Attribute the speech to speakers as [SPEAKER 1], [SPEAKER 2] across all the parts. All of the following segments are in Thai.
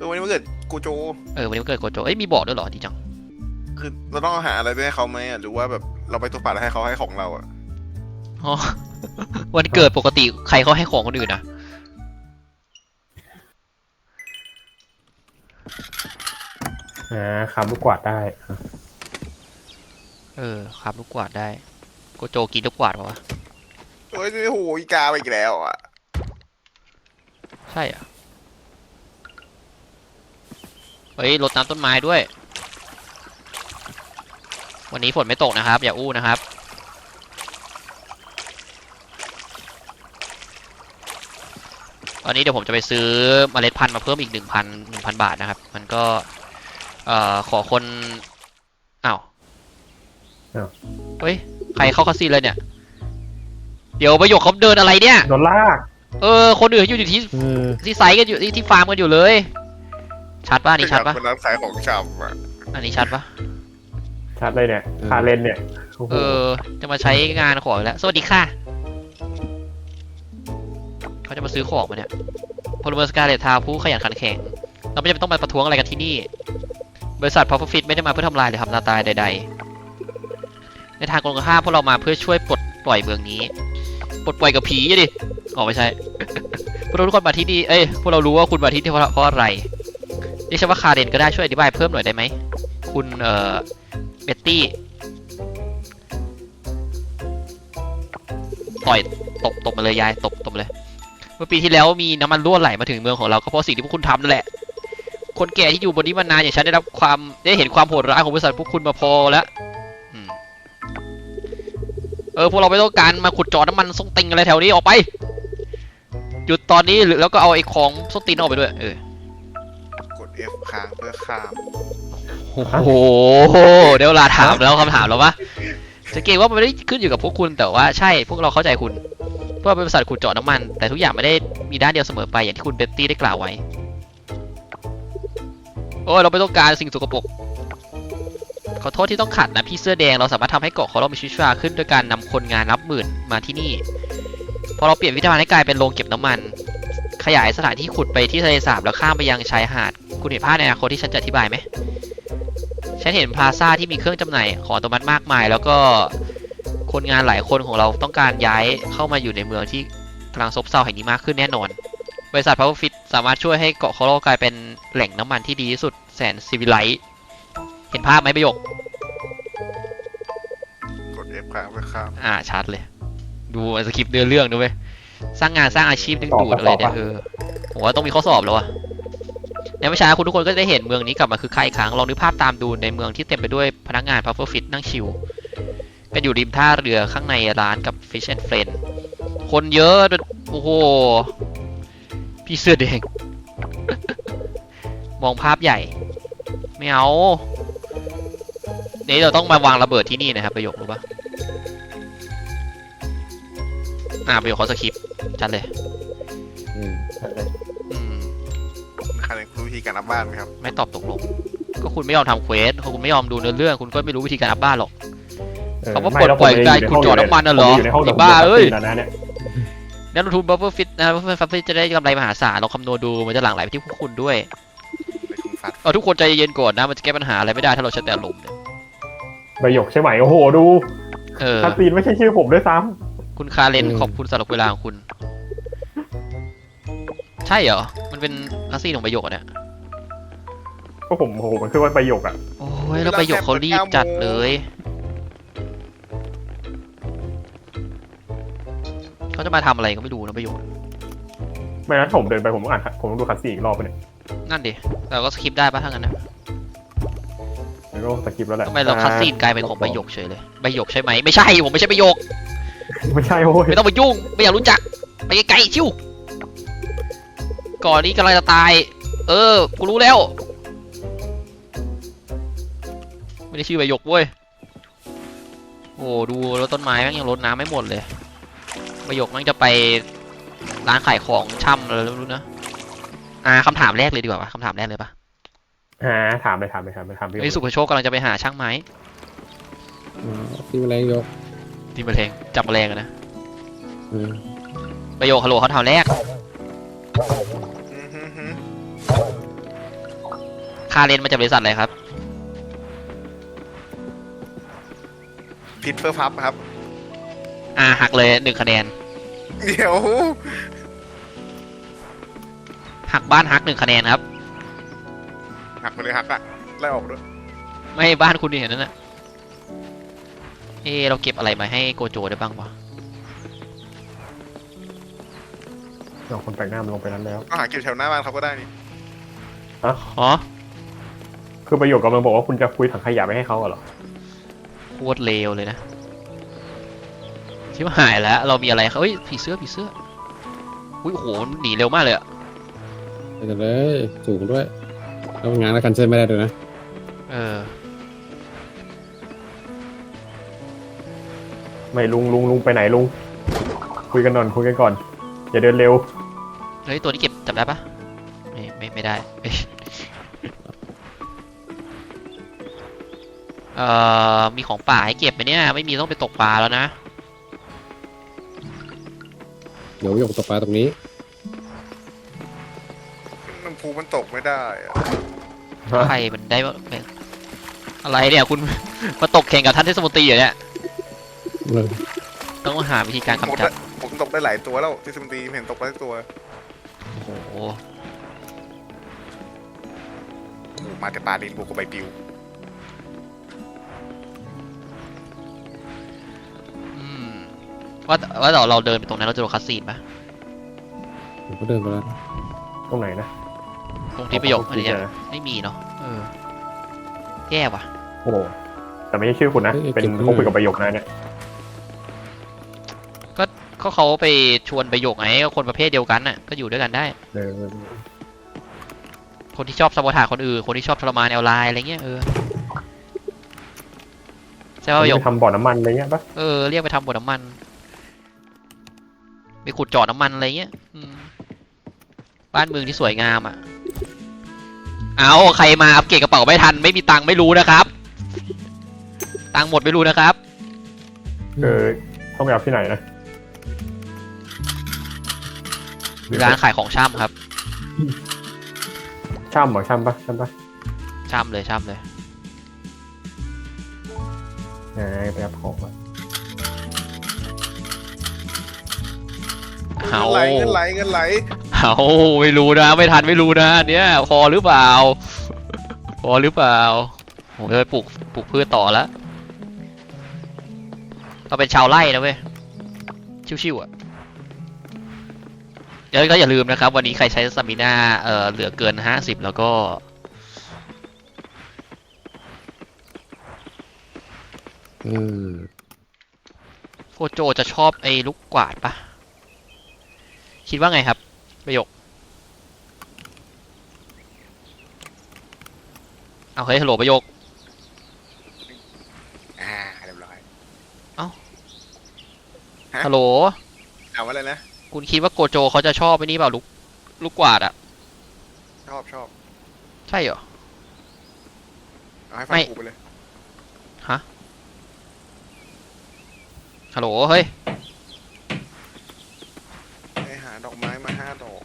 [SPEAKER 1] วันนี้มันเกิดกูโจ
[SPEAKER 2] วันนี้มันเกิดโกโจมีบอกด้วยเหรอดีจัง
[SPEAKER 1] คือเราต้องหาอะไรไปให้เขาไหมหรือว่าแบบเราไปตัวป่าแล้วให้เขาให้ของเรา
[SPEAKER 2] อ๋อวันเกิดปกติใครเขาให้ของคนอื่นนะ
[SPEAKER 3] คำลูกกวาดได้
[SPEAKER 2] ครับลูกกวาดได้โกโจกินลูกกวาดปะวะ
[SPEAKER 1] โอ้ยโหอีกาไปอีกแล้ว
[SPEAKER 2] ใช่อ่ะรดน้ำต้นไม้ด้วยวันนี้ฝนไม่ตกนะครับอย่าอู้นะครับตอนนี้เดี๋ยวผมจะไปซื้อเมล็ดพันธุ์มาเพิ่มอีก1,000 บาทนะครับมันก็ขอคนอ้าวใครเข้าคาสิโนเลยเนี่ยเดี๋ยวประโยคเขาเดินอะไรเนี่ย
[SPEAKER 3] โดนลาก
[SPEAKER 2] คนอื่นอยู่ที่ไซต์กันอยู่ที่ฟาร์มกันอยู่เลยชัดป่ะนี่ชัดป่ะ
[SPEAKER 1] เป็นร้านขายของชำ
[SPEAKER 2] อันนี้ชัดป่ะ
[SPEAKER 3] ชัดเลยเนี่ยคาเลนเนี่ย
[SPEAKER 2] จะมาใช้งานของแล้วสวัสดีค่ะเขาจะมาซื้อของมาเนี่ยพลเมืองสกาเลตทาวผู้ขยันขันแข็งเราไม่จำเป็นต้องมาประท้วงอะไรกันที่นี่บริษัท Profit ไม่ได้มาเพื่อทำลายหรือทำลายตายใดๆในทางตรงข้ามพวกเรามาเพื่อช่วยปลดปล่อยเมืองนี้ปลดปล่อยกับผีดิไม่ใช่พวกเราทุกคนมาที่นี่พวกเรารู้ว่าคุณมาที่นี่เพราะอะไรเรียกฉันว่าคาเรนก็ได้ช่วยอธิบายเพิ่มหน่อยได้ไหมคุณเบตตี้ต่อยตบมาเลยยายตบมาเลยเมื่อปีที่แล้วมีน้ำมันรั่วไหลมาถึงเมืองของเราก็เพราะสิ่งที่พวกคุณทำนั่นแหละคนแก่ที่อยู่บนนี้มานานอย่างฉันได้เห็นความโหดร้ายของบริษัทพวกคุณมาพอแล้วพวกเราไม่ต้องการมาขุดเจาะน้ำมันส้นติงอะไรแถวนี้ออกไปหยุดตอนนี้แล้วก็เอาไอ้ของส้นติงออกไปด้วย
[SPEAKER 1] กด F ค้างเพื่อข้าม
[SPEAKER 2] โอ้โหเดี๋ยวเวลาถามแล้วคำถามแล้ววะจะเก่งว่ามันไม่ได้ขึ้นอยู่กับพวกคุณแต่ว่าใช่พวกเราเข้าใจคุณเพราะเป็นบริษัทขุดเจาะน้ำมันแต่ทุกอย่างไม่ได้มีด้านเดียวเสมอไปอย่างที่คุณเบตตี้ได้กล่าวไว้เราไม่ต้องการสิ่งสกปรกขอโทษที่ต้องขัดนะพี่เสื้อแดงเราสามารถทำให้เกาะของเรามีชีวิตชีวาขึ้นโดยการนำคนงานนับหมื่นมาที่นี่พอเราเปลี่ยนวิธีการให้กลายเป็นโรงเก็บน้ำมันขยายสถานที่ขุดไปที่ทะเลสาบแล้วข้ามไปยังชายหาดคุณเห็นภาพในอนาคตที่ฉันจะอธิบายไหมฉันเห็นพลาซ่าที่มีเครื่องจำหน่ายของอัตโนมัติมากมายแล้วก็คนงานหลายคนของเราต้องการย้ายเข้ามาอยู่ในเมืองที่กำลังซบเซาแห่งนี้มากขึ้นแน่นอนบริษัท Profit สามารถช่วยให้เกาะของเรากลายเป็นแหล่งน้ำมันที่ดีที่สุดแสนซิวิไลซ์เห็นภาพไหมประโยค
[SPEAKER 1] กด F ค้างเพื่อข้าม
[SPEAKER 2] ชัดเลยดูสคริปต์เรื่องดูไหมสร้างงานสร้างอาชีพดึงดูดอะไรเนี่ยผมว่าต้องมีข้อสอบแล้วอะในวิชาคุณทุกคนก็จะได้เห็นเมืองนี้กลับมาคือใครอีกครั้งลองนึกภาพตามดูในเมืองที่เต็มไปด้วยพนักงาน Profit นั่งชิลกันอยู่ริมท่าเรือข้างในร้านกับ Fish and Friend คนเยอะโอ้โหพี่เสื้อแดง มองภาพใหญ่ไม่เอานี่เราต้องมาวางระเบิดที่นี่นะครับประโยครู้ปะประโยคเขาสคริปต์ชัดเลย
[SPEAKER 1] ใครรู้วิธีการอัพบ้านไหมครับ
[SPEAKER 2] ไม่ตอบตกลงก็คุณไม่ยอมทำเควสคุณไม่ยอมดูเนื้อเรื่องคุณก็ไม่รู้วิธีการอัพบ้านหรอกเขาว่าปลดปล่อยการขุดเจาะน้ำมันน่ะเหรอไอ้บ้านักลงทุนบัฟเฟอร์ฟิตนะบัฟเฟอร์ฟิตจะได้กำไรมหาศาลลองคำนวณดูมันจะหลั่งไหลไปที่พวกคุณด้วยทุกคนใจเย็นก่อนนะมันจะแก้ปัญหาอะไรไม่ได้ถ้าเราใช้แต่ลมเนี่ย
[SPEAKER 3] ใบหยกใช่ไหมโอ้โหดูคาซีนไม่ใช่ชื่อผมด้วยซ้
[SPEAKER 2] ำคุณคาเรนขอบคุณสำหรับเวลาของคุณใช่เหรอมันเป็นคาซีนของใบหยกเนี่ย
[SPEAKER 3] ก็ผมมันคือว่าใบหยก
[SPEAKER 2] โอ้ยแล้วใบหยกเขารีบจัดเลยเขาจะมาทำอะไรก็ไม่รู้นะใบหยก
[SPEAKER 3] ไม่นะผมเดินไปผมต้องผมต้องดูคาซีนอีกรอบไปเนี่ย
[SPEAKER 2] นั่นดิแต่ก็สคริปได้ป่ะทั้งนั้นนะ
[SPEAKER 3] ก็สคริปแล้วแหละ
[SPEAKER 2] ทำไมเราคัสซีนกลายเป็นของใบหยกเฉยเลยใบหยกใช่ไหมไม่ใช่ผมไม่ใช่ใบหยก
[SPEAKER 3] ไม่ใช่โอ้ย
[SPEAKER 2] ไม่ต้องมายุ่งไม่อยากรู้จักไปไกลๆชิวก่อนนี้กำลังจะตายกูรู้แล้วไม่ได้ชื่อใบหยกเว้ยโอ้ดูแล้วต้นไม้แม่งยังรดน้ำไม่หมดเลยใบหยกแม่งจะไปร้านขายของช่ำอะไรไม่รู้นะคำถามแรกเลยดีกว่าคำถามแรกเลยปะ
[SPEAKER 3] ถามไป
[SPEAKER 2] ไอ้สุภโชคกำลังจะไปหาช่างไม้
[SPEAKER 4] ตีแมลงยก
[SPEAKER 2] ตีแมลงจับแมลงนะประโยคฮัลโหลเขาถามแรกคาเรนมาจากบริษัทอะไรครับ
[SPEAKER 1] พิทเฟอร์พับครับ
[SPEAKER 2] หักเลย1 คะแนน
[SPEAKER 1] เดี๋ยว
[SPEAKER 2] หักบ้านฮัก1 คะแนนครับ
[SPEAKER 1] หักไปเลยหักอะไล่ออกด้วย
[SPEAKER 2] ไม่บ้านคุณนี่เห็นนั่นน่ะเราเก็บอะไรมาให้โกโจได้บ้างวะ
[SPEAKER 3] เอาคนแปลกหน้ามันลงไปนั้นแล้ว
[SPEAKER 1] ก็หาเก็บแถวหน้าบ้านเขาก็ได้นี่
[SPEAKER 2] อ๋อ
[SPEAKER 3] คือประโยคกำลังบอกว่าคุณจะคุยถังขยะไปให้เขาเหรอ
[SPEAKER 2] โคตรเลวเลยนะชิบหายแล้ว เรามีอะไรครับเฮ้ยผีเสื้ออุ้ยโอ้โหมันหนีเร็วมากเลยอะ
[SPEAKER 4] ไปกันเลยสูงด้วยแล้วงานแล้วกันเส้นไม่ได้ด้วยนะ
[SPEAKER 2] เออ
[SPEAKER 3] ไม่ลุงไปไหนลุง คุยกันก่อน อย่าเดินเร็ว
[SPEAKER 2] เฮ้ยตัวนี้เก็บจับได้ปะไม่ได้ มีของป่าให้เก็บไหมเนี่ยไม่มีต้องไปตกปลาแล้วนะ
[SPEAKER 4] เดี๋ยวหยกตกปลาตรงนี้
[SPEAKER 1] น้ำพุมันตกไม่ได้อะ
[SPEAKER 2] ใครมันได้อะไรเนี่ยคุณ มาตกแข่งกับท่านเทศมนตรีเหรอเนี่ยต้องหาวิธีการ
[SPEAKER 1] ผม
[SPEAKER 2] กำจัด
[SPEAKER 1] ผมตกได้หลายตัวแล้วที่สมตีเห็นตกได้ตัว
[SPEAKER 2] โอ้โห
[SPEAKER 1] มาแต่ปลาดินบวกกับใบปลิว
[SPEAKER 2] อืมว่าเราเดินไปตรงนั้นเราจะโดนคัสซีนปะ
[SPEAKER 4] ผมก็เดินไปแล้ว
[SPEAKER 3] ตรงไหนนะ
[SPEAKER 2] ตรงที่ประโยคอะไรเนี่ย
[SPEAKER 3] นะ
[SPEAKER 2] ไม่มีเนาะแย่ว่ะ
[SPEAKER 3] โอ้โหแต่ไม่ใช่ชื่อคุณนะ เป็นเขาคุยกับประโยคนะเนี่ย
[SPEAKER 2] ก็เขาไปชวนประโยคไงก็คนประเภทเดียวกันน่ะก็อยู่ด้วยกันได้
[SPEAKER 3] เออ
[SPEAKER 2] คนที่ชอบซับอทาคนอื่นคนที่ชอบทรมานแนวไลน์อะไรเงี้ยใช่ป่ะประโยค
[SPEAKER 3] ไปทำบ่อน้ำมันอะไรเงี้ยปะ
[SPEAKER 2] เรียกไปทำบ่อน้ำมันไปขุดเจาะน้ำมันอะไรเงี้ยบ้านเมืองที่สวยงามอ่ะเอาใครมาอัปเกรดกระเป๋าไม่ทันไม่มีตังค์ไม่รู้นะครับ ตังค์หมดไม่รู้นะครับ
[SPEAKER 3] ต้องไปเอาที่ไหนนะ
[SPEAKER 2] ร้านขายของช่ำครับ
[SPEAKER 3] ช่ำเหรอช่ำปะ
[SPEAKER 2] ช่ำเลย
[SPEAKER 3] ไปเอาของมา
[SPEAKER 2] เอา
[SPEAKER 1] เงินไหล
[SPEAKER 2] เอาไม่รู้นะไม่ทันไม่รู้นะเนี่ยพอหรือเปล่าผมจะไปปลูกพืชต่อแล้วเราเป็นชาวไร่นะเว้ยชิวๆอ่ะแล้วก็อย่าลืมนะครับวันนี้ใครใช้สตามิน่าเหลือเกิน50แล้วก็ โกโจจะชอบไอ้ลูกกวาดปะคิดว่าไงครับประโยคเอาเฮ้ยฮัลโหลประโยค
[SPEAKER 1] เรียบร้อย
[SPEAKER 2] ฮัลโหล
[SPEAKER 1] เอาอะไรนะ
[SPEAKER 2] คุณคิดว่าโกโจเขาจะชอบไอ้นี่เปล่าลูกกวาดอะ
[SPEAKER 1] ชอบ
[SPEAKER 2] ใช่เหรอ
[SPEAKER 1] เอาให้ฟังกูไปเลย
[SPEAKER 2] ฮะฮัลโหลเฮ้ย
[SPEAKER 1] ไปหาดอกไม้มา5 ดอก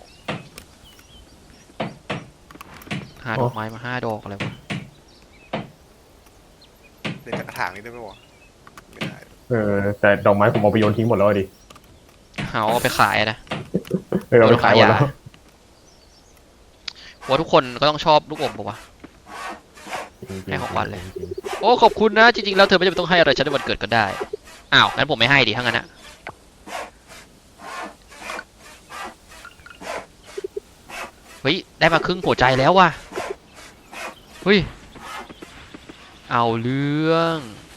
[SPEAKER 2] หาดอกไม้มา5 ดอกอะไรวะ
[SPEAKER 1] เดี๋ยวจะกระถางนี้ได้ไหมวะไม่ได้
[SPEAKER 3] แต่ดอกไม้ผมเอาไปโยนทิ้งหมดแล้วดิ
[SPEAKER 2] เอาไปขายนะ
[SPEAKER 3] เอาไปขายหมดแล้ว
[SPEAKER 2] ว่าทุกคนก็ต้องชอบลูกอมปะวะ ให้ของขวัญเลย โอ้ขอบคุณนะจริงๆแล้วเธอไม่จำเป็นต้องให้อะไรฉันในวันเกิดก็ได้อ้าวงั้นผมไม่ให้ดิถ้างั้นอะเฮ้ยได้มาครึ่งหัวใจแล้วว่ะเฮ้ยเอาเรื่อง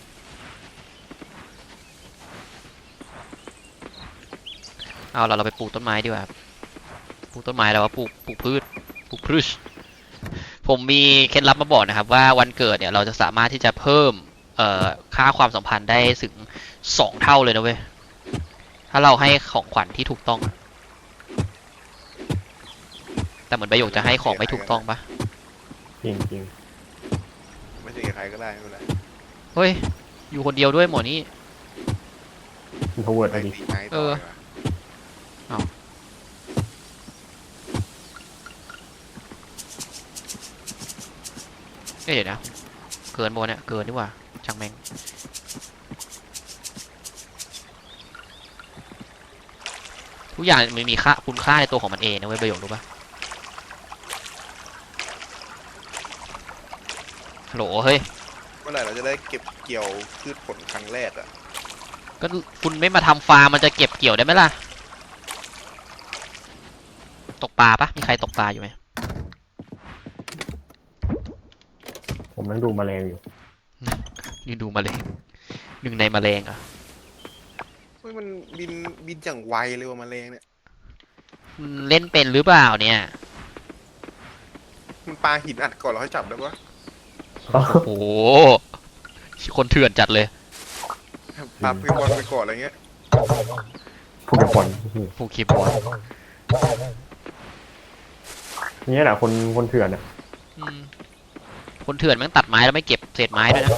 [SPEAKER 2] เอาเราไปปลูกต้นไม้ดีกว่าปลูกต้นไม้แล้วว่าปลูกพืชผมมีเคล็ดลับมาบอกนะครับว่าวันเกิดเนี่ยเราจะสามารถที่จะเพิ่มค่าความสัมพันธ์ได้ถึง2 เท่าเลยนะเว้ยถ้าเราให้ของขวัญที่ถูกต้องแต่เหมือนประโยคจะให้ของไม่ถูกต้องปะ
[SPEAKER 3] จริง
[SPEAKER 1] ไม่ใช่กับใครก็ได้ไม่เป็นไร
[SPEAKER 2] เฮ้ยอยู่คนเดียวด้วยหมอนี่
[SPEAKER 3] อินโทรเวิร์ด
[SPEAKER 1] ไป
[SPEAKER 3] อะไรดิ
[SPEAKER 1] ตีไม้ต่อดีกว่า
[SPEAKER 2] เเดี๋ยวนะเกินโมเนี่ยเกินดีกว่าช่างแม่งทุกอย่างมันมีค่าคุณค่าในตัวของมันเองนะเว้ยประโยครู้ปะฮัลโหลเฮ้ย
[SPEAKER 1] เมื่อไหร่เราจะได้เก็บเกี่ยวพืชผลครั้งแรกอ่ะ
[SPEAKER 2] ก็คุณไม่มาทำฟาร์มมันจะเก็บเกี่ยวได้ไหมล่ะตกปลาปะมีใครตกปลาอยู่ไหม
[SPEAKER 3] ผมนั่งดูแมลงอยู่
[SPEAKER 2] นี่ดูแมลงหนึ่งในแมลงอ่ะ
[SPEAKER 1] เฮ้ยมันบินอย่างไวเลยว่ะแมลงเนี่ย
[SPEAKER 2] เล่นเป็นหรือเปล่าเนี่ย
[SPEAKER 1] มันปาหินอัดก่อนเราให้จับได้ปะ
[SPEAKER 2] โอ้โหคนเถื่อนจัดเลย
[SPEAKER 1] ปาไปบอลไปก่อนอะไรเงี้ย
[SPEAKER 3] พวกเก็บบอล
[SPEAKER 2] ผู้คีย์บอร์ด
[SPEAKER 3] นี่แหละคนเถื่อนอ่ะ
[SPEAKER 2] อืมคนเถื่อนแม่งตัดไม้แล้วไม่เก็บเศษไม้ด้วยนะ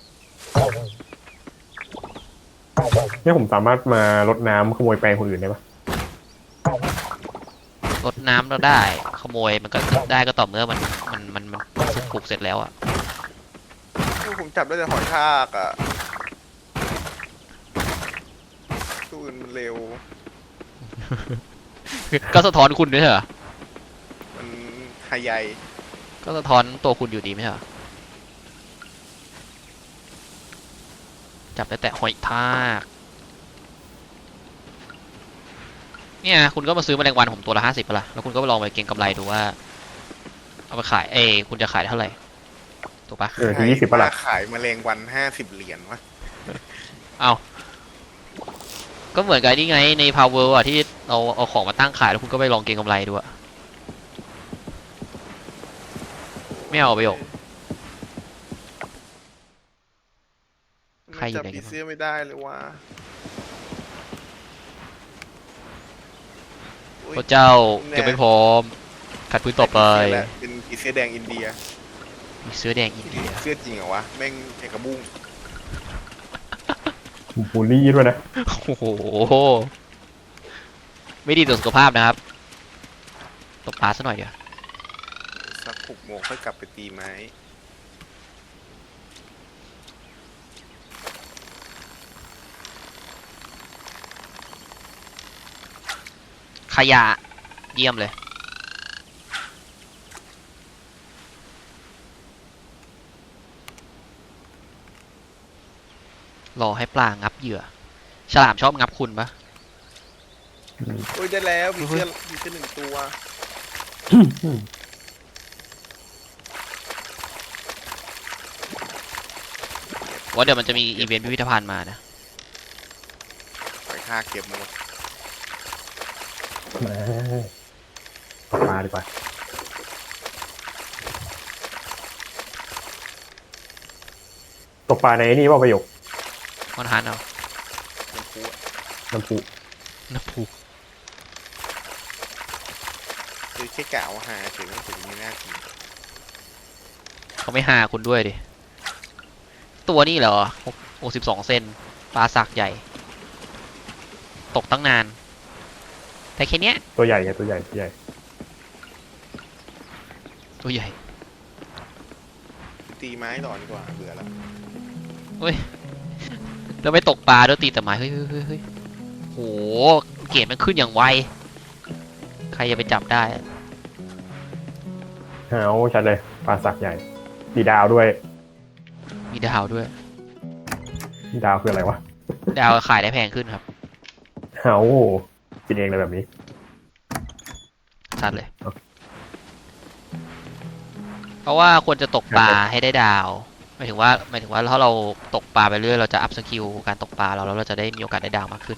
[SPEAKER 3] เนี่ยผมสามารถมารดน้ำขโมยแปลงคนอื่นได้ปะ
[SPEAKER 2] รดน้ำเราได้ขโมยมันก็ได้ก็ต่อเมื่อมันสุกปลูกเสร็จแล้วอ่ะ
[SPEAKER 1] ผมจับได้แต่หอยทากอ่ะตัวอื่นมันเร็ว
[SPEAKER 2] ก็สะท้อนคุณด้วยเหรอ
[SPEAKER 1] มันไฮใหญ่
[SPEAKER 2] ก็สะท้อนตัวคุณอยู่ดีไหมเหรอจับได้แต่หอยทากเนี่ยคุณก็มาซื้อแมลงวันผมตัวละ50ป่ะล่ะแล้วคุณก็ไปลองไปเก็งกำไรดูว่าเอาไปขายคุณจะขายเท่าไหร่ถูกปะ
[SPEAKER 3] ที20ปะล่ะ
[SPEAKER 1] ขายแมลงวัน50 เหรียญวะ
[SPEAKER 2] เอาก็เหมือนกับนี่ไงใน Power อ่ะที่เราเอาของมาตั้งขายแล้วคุณก็ไปลองเก็งกำไรดูอะไม่เอาประโยค ใครอยู่
[SPEAKER 1] จับ
[SPEAKER 2] ไหนกันบ้าง
[SPEAKER 1] ผีเสื้อไม่ได้เลยว่ะอุ๊ย
[SPEAKER 2] พระเจ้าเก็บไม่พร้อมขัดพื้นต่อไป
[SPEAKER 1] เป็นผีเสื้อแดงอินเดีย
[SPEAKER 2] มีเสื้อแดงอินเดีย
[SPEAKER 1] เสื้อจริงเหรอวะ แม่งเอกระบุ้ง
[SPEAKER 3] บูลลี่ด้วยนะ
[SPEAKER 2] โอ้โหไม่ดีต่อสุขภาพนะครับตกปลาซะหน่อยเดี๋ยว
[SPEAKER 1] สัก6 โมงค่อยกลับไปตีไม้
[SPEAKER 2] ขยะเยี่ยมเลยรอให้ปลางับเหยื่อฉลามชอบงับคุณปะ
[SPEAKER 1] โอ้ยได้แล้วผีเสื้อ1 ตัว
[SPEAKER 2] ว่าเดี๋ยวมันจะมีอีเวนต์พิพิธภัณฑ์มานะ
[SPEAKER 1] หอยทากเก็บหมด
[SPEAKER 3] มาดีกว่าตกปลาในนี่ว่าประโยค
[SPEAKER 2] มันหันเอา
[SPEAKER 1] น้ำพุอะ
[SPEAKER 3] น้ำพุ
[SPEAKER 2] น้ำพุ
[SPEAKER 1] คือแค่กะว่าหาเฉยไม่ถึงไม่น่ากิน
[SPEAKER 2] เขาไม่หาคุณด้วยดิตัวนี่เหรอ62 เซนปลาสักใหญ่ ตกตั้งนาน แต่แค่เนี้ย
[SPEAKER 3] ตัวใหญ่ไงตัวใหญ่ตัวใหญ่
[SPEAKER 2] ตัวใหญ่
[SPEAKER 1] ตีไม้ต่อดีกว่าเบื่อแล้ว
[SPEAKER 2] แล้วไม่ตกปลาด้วยตีแต่ไม้เฮ้ยโหเกรดมันขึ้นอย่างไวใครจะไปจับได้อะ
[SPEAKER 3] หาวชัดเลยปลาสักใหญ่ตีดาวด้วย
[SPEAKER 2] มีดาวด้วย
[SPEAKER 3] ตีดาวคืออะไรวะ
[SPEAKER 2] ดาวขายได้แพงขึ้นครับ
[SPEAKER 3] หาวกินเองเลยแบบนี้
[SPEAKER 2] ชัดเลย
[SPEAKER 3] โอเค
[SPEAKER 2] เพราะว่าควรจะตกปลาให้ได้ดาวหมายถึงว่าถ้าเราตกปลาไปเรื่อยเราจะอัพสกิลการตกปลาเราแล้วเราจะได้มีโอกาสได้ดาวมากขึ้น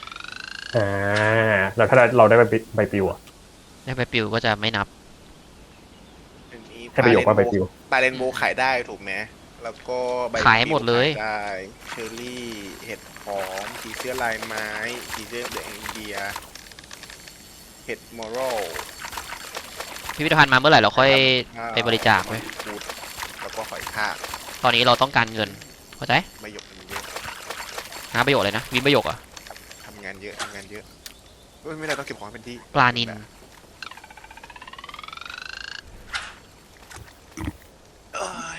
[SPEAKER 3] แล้วถ้าเราได้ใบปลิวอ่ะ
[SPEAKER 2] ได้ไปปิวก็จะไม่นับ
[SPEAKER 1] อันนี้
[SPEAKER 3] ให้ประโยคว่าใบปลิว
[SPEAKER 1] ปลาเรนโบว์ขายได้ถูกไหมแล้วก็ใบ
[SPEAKER 2] ขายให้หมดเลย
[SPEAKER 1] ขายได้เชอร์รี่เห็ดหอมผีเสื้อลายไม้ผีเสื้อแดงอินเดียเห็ดมอรัล
[SPEAKER 2] พิพิธภัณฑ์มาเมื่อไหร่เราค่อยไปบริจาคไว้
[SPEAKER 1] พูดแล้วก็หอยทาก
[SPEAKER 2] ตอนนี้เราต้องการเงินเข้าใจ
[SPEAKER 1] ประโยคมันเยอะ
[SPEAKER 2] หาประโยชน์เลยนะวินประโยคอะ
[SPEAKER 1] ทำงานเยอะเฮ้ยไม่ได้ต้องเก็บของให้เป็นที่
[SPEAKER 2] ปลานิล
[SPEAKER 1] แบบ
[SPEAKER 2] ป
[SPEAKER 1] เอ้ย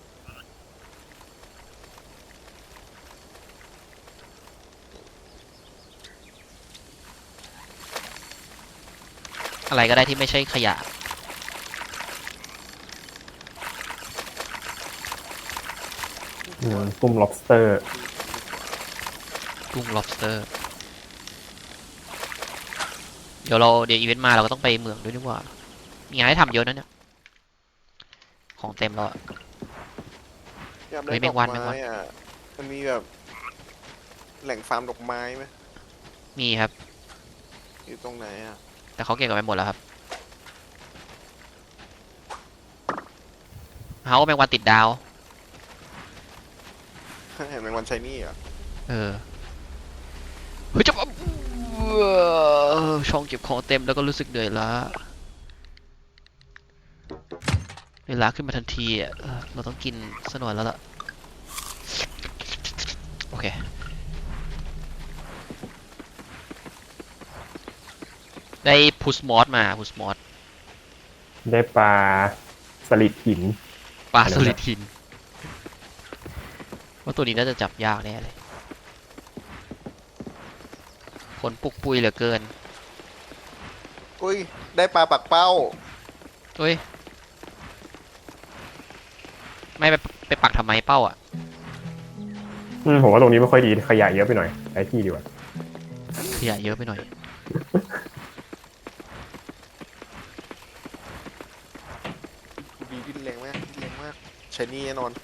[SPEAKER 2] อะไรก็ได้ที่ไม่ใช่ขยะ
[SPEAKER 3] กุ้ง lobster
[SPEAKER 2] กุ้ง lobster เดี๋ยวอีเวนต์มาเราก็ต้องไปเมืองด้วยดีกว่า มีงานให้ทำเยอะนะเนี่ย ของเต็มแล้วอะ
[SPEAKER 1] อยากได้
[SPEAKER 2] เฮ้ย
[SPEAKER 1] ด
[SPEAKER 2] แม
[SPEAKER 1] อก
[SPEAKER 2] งวันแมงวั
[SPEAKER 1] ไม้
[SPEAKER 2] น
[SPEAKER 1] อ่ะมันมีแบบแหล่งฟาร์มดอกไม้ไหม
[SPEAKER 2] มีครับ
[SPEAKER 1] อยู่ตรงไหนอ่ะ
[SPEAKER 2] แต่เขาเก็บกันไปหมดแล้วครับเขาแมงวันติดดาว
[SPEAKER 1] เห็นแมงวันชายนี่อ่ะ
[SPEAKER 2] เออ เฮ้ยจะช่องเก็บของเต็มแล้วก็รู้สึกเหนื่อยล้าเวลาขึ้นมาทันทีอ่ะเราต้องกินสักหน่อยแล้วล่ะ โอเค ได้พุสมอสมาพุสมอส
[SPEAKER 3] ได้ปลาสลิดหิน
[SPEAKER 2] ปลา
[SPEAKER 3] อะไร
[SPEAKER 2] ส
[SPEAKER 3] นะ
[SPEAKER 2] ลิดหินว่าตัวนี้น่าจะจับยากแน่เลยผลปุกปุยเหลือเกิน
[SPEAKER 1] อุ้ยได้ปลาปักเป้า
[SPEAKER 2] เฮ้ย ไม่ไปปักทำไมเป้าอ่ะ
[SPEAKER 3] ผมว่าตรงนี้ไม่ค่อยดีขยะเยอะไปหน่อยใช้ที่ดีกว่า
[SPEAKER 2] ขยะเยอะไปหน่อย
[SPEAKER 1] ดีดิ้นแรงมากดิ้นแรงมากชายนี่แน่นอน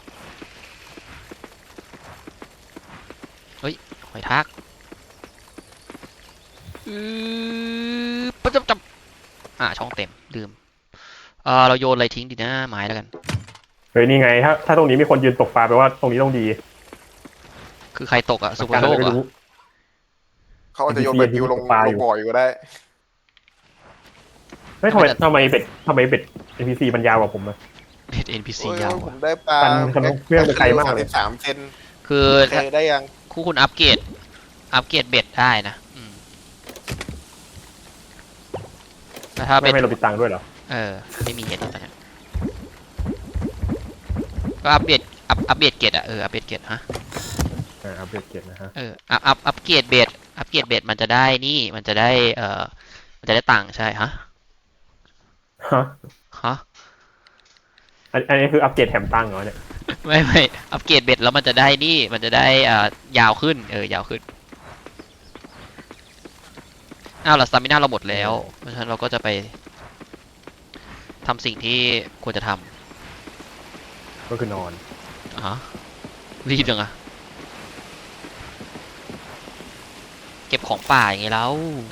[SPEAKER 2] หอยทากประจับช่องเต็มลืมเราโยนอะไรทิ้งดีนะไม้แล้วกัน
[SPEAKER 3] เฮ้ยนี่ไงถ้าตรงนี้มีคนยืนตกปลาแปลว่าตรงนี้ต้องดี
[SPEAKER 2] คือใครตกอะสุภโชค
[SPEAKER 3] ไม่
[SPEAKER 2] เหรอ
[SPEAKER 3] รู้
[SPEAKER 1] เขาอาจจะโยนแบบบิวลง
[SPEAKER 3] ปลาอยู่
[SPEAKER 1] บ่อยก็ได้
[SPEAKER 3] เฮ้ยทำไมเบ็ด NPC มันยาวกว่าผมอะ
[SPEAKER 2] เป็น NPC
[SPEAKER 1] โอ้ย
[SPEAKER 2] ยาว
[SPEAKER 1] ผ
[SPEAKER 2] อะ
[SPEAKER 1] มได้ปลา
[SPEAKER 3] ปันเครื่องไปไกลมากเลย
[SPEAKER 1] 33เซน
[SPEAKER 2] คือ
[SPEAKER 1] เคยได้ยัง
[SPEAKER 2] คู่คุณอัปเกรดเบ็ดได้นะแต่ถ้า
[SPEAKER 3] ไม่
[SPEAKER 2] เบ็ด
[SPEAKER 3] เราปิดตังค์ด้วยเหรอ
[SPEAKER 2] ไม่มีเห็ดตอนนี้ก็อัปเกรดอัปเกรดเกรดอะอัปเกรดเกรดฮะ
[SPEAKER 3] อัปเดตเกตนะฮะ
[SPEAKER 2] อัปเกรดเบ็ดมันจะได้นี่มันจะได้มันจะได้ตังค์ใช่ฮะ ฮะ
[SPEAKER 3] อันนี้คืออัปเกรดแถมตังค์เหรอเนี่ย
[SPEAKER 2] ไม่อัปเกรดเบ็ดแล้วมันจะได้นี่มันจะได้ยาวขึ้นยาวขึ้นล่ะสตามิน่าเราหมดแล้วเพราะฉะนั้นเราก็จะไปทำสิ่งที่ควรจะท
[SPEAKER 3] ก็คือนอน
[SPEAKER 2] ำรีบจังอะเก็บของป่าอย่างไงแล้ว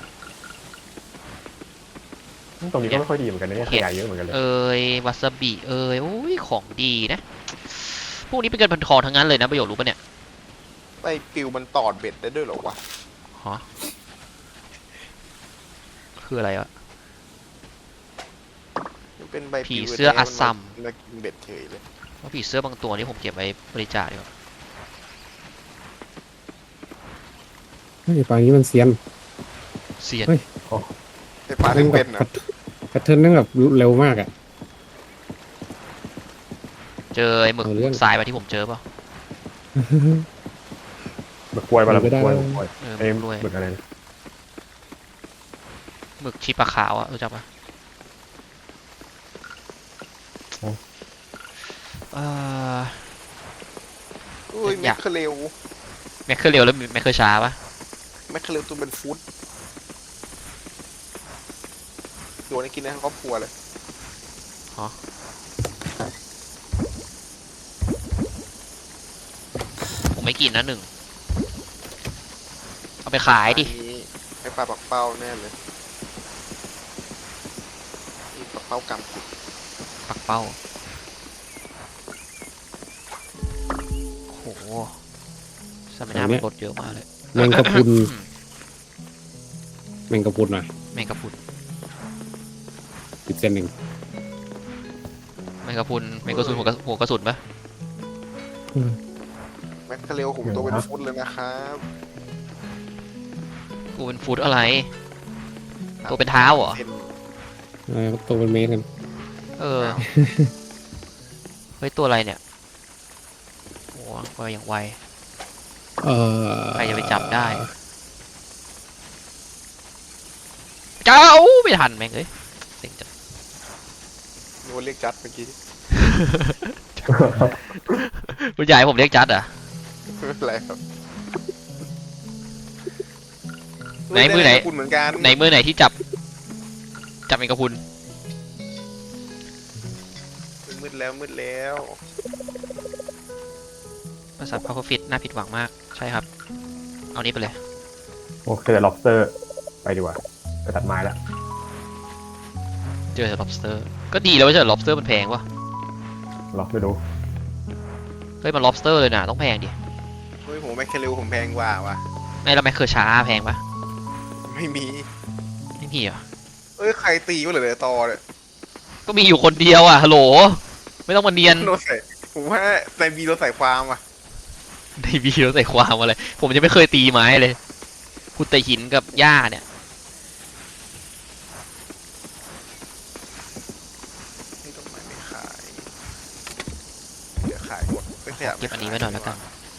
[SPEAKER 3] ตรงนี้ก็ไม่ค่อยดีเหมือนกันนะเนี่ยขยะเยอะเหมือนกันเลย
[SPEAKER 2] วาซาบิโอ้ยของดีนะ พวกนี้เป็นเงินพันทองทั้งนั้นเลยนะประโยชน์รู้ปะเนี่ย
[SPEAKER 1] ไปปิวมันตอดเบ็ดได้ด้วยเหรอวะ
[SPEAKER 2] ฮะคืออะไรวะ
[SPEAKER 1] มันเป็นใบ
[SPEAKER 2] ผี
[SPEAKER 1] ปิว
[SPEAKER 2] เสื้ออัสซัม
[SPEAKER 1] นมากินเบ็ดเฉยเลย
[SPEAKER 2] ว่าผีเสื้อบางตัวนี่ผมเก็บไว้บริจาคดีกว่า
[SPEAKER 4] เฮ้ยปลานี้มันเซียน
[SPEAKER 2] เสียน
[SPEAKER 4] เฮ้ย
[SPEAKER 1] ไอ้ปลาที่เป็นนะ
[SPEAKER 4] แพทเทิร์นนั่งแบบเร็วมากอ่ะ
[SPEAKER 2] เจอไอ้หมึก
[SPEAKER 4] เอาเรื่อง
[SPEAKER 2] ทรายมาที่ผมเจอเปล่า
[SPEAKER 3] หมึกกล้วยปะล่ะหมึ
[SPEAKER 4] ไม่
[SPEAKER 3] ก
[SPEAKER 4] ได้
[SPEAKER 3] กล้วยหมึกกล้วย
[SPEAKER 2] ห
[SPEAKER 3] ไอ้
[SPEAKER 2] มึกด้วย
[SPEAKER 3] หมึกอะไรนะ
[SPEAKER 2] หมึกชีปลาขาวอะรู้จักปะเอ่อ
[SPEAKER 1] อุ้ย
[SPEAKER 2] อ
[SPEAKER 1] แม
[SPEAKER 2] ยาก
[SPEAKER 1] คเคอเรล
[SPEAKER 2] แมคเคอร์เร็วแล้วแมคเคอร์ช้าปะ
[SPEAKER 1] แมคเคอเรลตัวเป็นฟุตตัวนี้กินได้ทั้งครอบครัวเลย
[SPEAKER 2] ผมไม่กินนะหนึ่งเอาไปขายดิ
[SPEAKER 1] อันนี้ไอ้ปลาปักเป้าแน่เลยนี่ปักเป้ากำกุด
[SPEAKER 2] ปักเป้าโหสมินามันลดเยอะมากเลย
[SPEAKER 4] แมงกะพรุนแมงกะพรุนอ่ะ
[SPEAKER 2] แมงกะพรุน
[SPEAKER 4] ติดเส้นหนึ่ง
[SPEAKER 2] แมงกะพรุนแมงกะสุนหัวกระสุนปะ
[SPEAKER 1] แมคเคอเรลผมตัวเป็นฟุตเลยนะครับ
[SPEAKER 2] กูเป็นฟูดอะไร ตัวเป็นเท้าเหรอ
[SPEAKER 1] เป็น
[SPEAKER 4] ตัวเป็นเมตรกัน
[SPEAKER 2] เออเฮ้ยตัวอะไรเนี่ยโอ้ไปอย่างไว ใครจะไปจับได้ เจ้าไม่ทันแม่งเอ้ยเซ็งจัง
[SPEAKER 1] โดนเรียกจัดเมื่อกี้
[SPEAKER 2] คุณยายผมเรียกจัดเหรอ่ะ
[SPEAKER 1] ไม่เป็นไรครับ
[SPEAKER 2] ไหนมือไหน
[SPEAKER 1] คุณเหมือนกัน
[SPEAKER 2] ในมือไหนที่จับเองกับคุณ
[SPEAKER 1] มืดแล้วมืดแล้ว
[SPEAKER 2] บริษัทพาวเวอร์ฟิตน่าผิดหวังมากใช่ครับ เอานี้ไปเลย
[SPEAKER 3] โอเคเจอ lobster ไปดีกว่าไปตัดไม้ละ
[SPEAKER 2] เจอ lobster ก็ดีแล้วไม่ใช่ lobster มันแพงวะ
[SPEAKER 3] ลองไปดู
[SPEAKER 2] เฮ้ยมัน lobster เลยนะต้องแพงดิ
[SPEAKER 1] เฮ้ยผมแมคเคเรลผมแพงกว่าวะ
[SPEAKER 2] ไม่แล้วแมคเคอร์ช้าแพงปะ
[SPEAKER 1] ไม่มี
[SPEAKER 2] ไม่มีเหรอ
[SPEAKER 1] เอ้ยใครตีวะเหลือตอเนี่ย
[SPEAKER 2] ก็มีอยู่คนเดียวอ่ะฮัลโหลไม่ต้องมาเนียน
[SPEAKER 1] โดนใส่ผมว่าในบีโดนใส่ความอ่ะ
[SPEAKER 2] ในวีเราใส่ความอะไรผมยังไม่เคยตีไม้เลยคุณแต่หินกับหญ้าเนี่ย
[SPEAKER 1] นี่ต้นไม้ไม่ขาย เดี๋ยวขายหมดไม่ขยับ
[SPEAKER 2] เก็บอันนี้ไว้หน่อยแล้วกัน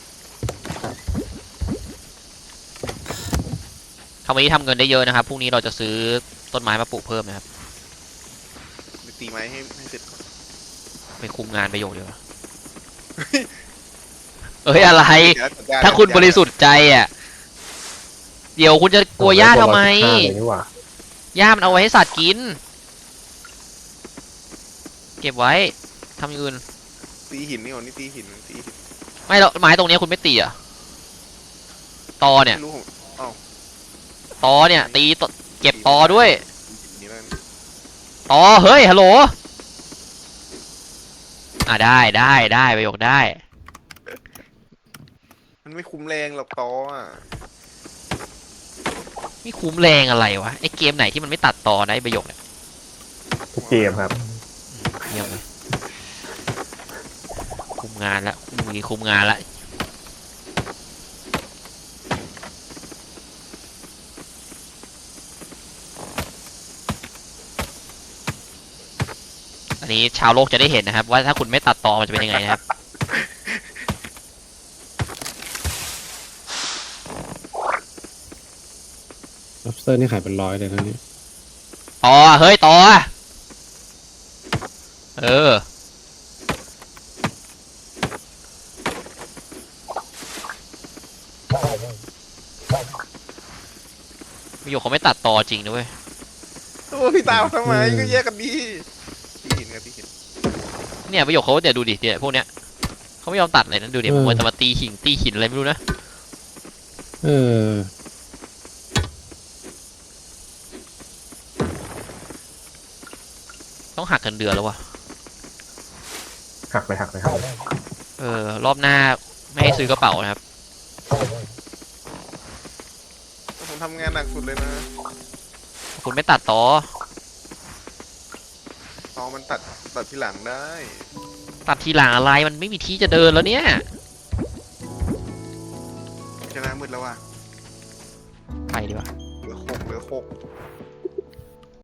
[SPEAKER 2] ทำวันนี้ทำเงินได้เยอะนะครับพรุ่งนี้เราจะซื้อต้นไม้มาปลูกเพิ่มนะครับ
[SPEAKER 1] ไปตีไม้ให้เสร็จก่อน
[SPEAKER 2] ไปคุมงานประโยชน์เดียวาเอ้ยอะไร
[SPEAKER 1] เดี๋ยวจัดก
[SPEAKER 2] ถ้าคุณบริสุทธิ์ใจอ่ะเดี๋ยวคุณจะกลัวหญ้าทำไม
[SPEAKER 3] 115เลยนี่หว่า
[SPEAKER 2] หญ้ามันเอาไว้ให้สัตว์กิน เก็บไว้ทำอย่างอื่น
[SPEAKER 1] ตีหินนี่ก่อนนี่ตีหิน
[SPEAKER 2] ไม่หรอกไม้ตรงเนี้ยคุณไม่ตีอ่ะตอเนี่ย
[SPEAKER 1] ไม่รู้ผม
[SPEAKER 2] ตอเนี่ยตีตเก็บตอด้วย
[SPEAKER 1] หินนี่แล้วกัน
[SPEAKER 2] ตอเฮ้ยฮัลโหลได้ประโยคได้
[SPEAKER 1] มันไม่คุ้มแรงหรอกตออ่ะ
[SPEAKER 2] ไม่คุ้มแรงอะไรวะไอเกมไหนที่มันไม่ตัดตอนะไอประโยคเนี่ย
[SPEAKER 3] ทุกเกมครับ
[SPEAKER 2] เยี่ยมเลยคุมงานละมีคุมงานละอันนี้ชาวโลกจะได้เห็นนะครับ ว่าถ้าคุณไม่ตัดตอมันจะเป็นยังไงนะครับ
[SPEAKER 4] lobster นี่ขายเป็น100เลยนะเนี่ย
[SPEAKER 2] ตอเฮ้ยตอเออประโยคเขาไม่ตัดตอจริงนะเว้ย
[SPEAKER 1] โอ้พี่ตามทำไมก็แยกกันดีตีหินครับตีหิน
[SPEAKER 2] เนี่ยประโยคเขาเนี่ยดูดิเนี่ยพวกเนี้ยเขาไม่ยอมตัดเลยนะดูดิผมว่าจะมาตีหินอะไรไม่รู้นะ
[SPEAKER 4] เออ
[SPEAKER 2] ต้องหักกันเดือนแล้ววะ
[SPEAKER 3] หักเลย
[SPEAKER 2] รอบหน้าไม่ให้ซื้อกระเป๋านะครับ
[SPEAKER 1] ผมทำงานหนักสุดเลยนะ
[SPEAKER 2] คุณไม่ตัดตอ
[SPEAKER 1] ตอมันตัดทีหลังได้
[SPEAKER 2] ตัดทีหลังอะไรมันไม่มีที่จะเดินแล้วเนี่ย